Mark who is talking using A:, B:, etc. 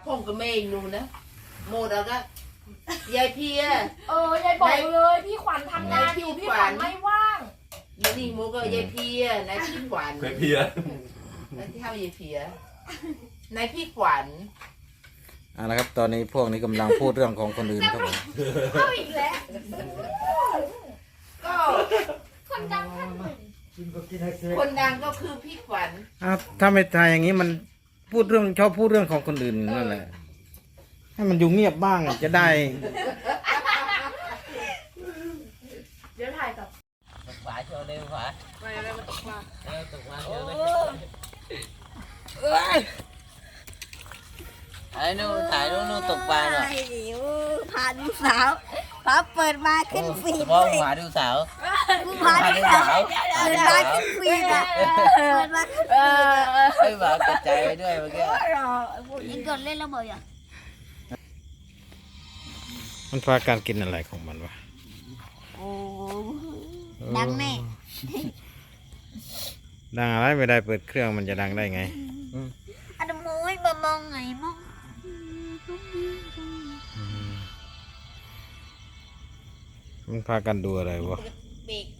A: ผมก็ไม่รู้นะโมดแล้วก็ยายเพีย
B: ยายบอกเลยพี่ขวัญทำงานอยู่พี่ขวัญไม่ว่าง
A: นี่โมก็ยายเพียนายพี่ขวัญ
C: ยายเพีย
A: นายที่ทำยายเพียนายพี่ขวัญ
D: นะครับตอนนี้พวกนี้กำลังพูดเรื่องของคนอื่นครับผม
B: เอาอีกแล้ว
A: ก็
B: คนดัง
A: คนดังก็คือพี่ขวัญ
D: ถ้าไม่ทายอย่างนี้มันชอบพูดเรื่องของคนอื่นนั่นแหละให้มันอยู่เงียบบ้างจะได้
B: เดี๋ยวถ่ายกับ
E: ตกปลาโชว์เลยฝา
A: ไปอะไรมาตกปลา
E: ตกปลาโชว์เลยไอ้นู่นถ่ายนู่นตกปลาหน่อย
F: พาดูสาวพาเปิดมาขึ้นฟีด
E: พ่อพาดูสาว
F: พาดูสาวเปิดมาขึ้นฟีดอ่ะเปิดมาขึ้นฟีด
E: ให้หมากระจายด้วยเมื่อกี้
F: ยังกดเล่นแล้วบ่อยอ่ะ
D: มันพาการกินอะไรของมันวะ
F: โอ้ดังแน่
D: ดังอะไรไม่ได้เปิดเครื่องมันจะดังได้ไง
F: อันมวยมามองไงมอง
D: มันพากันดูอะไรวะ
F: เบรก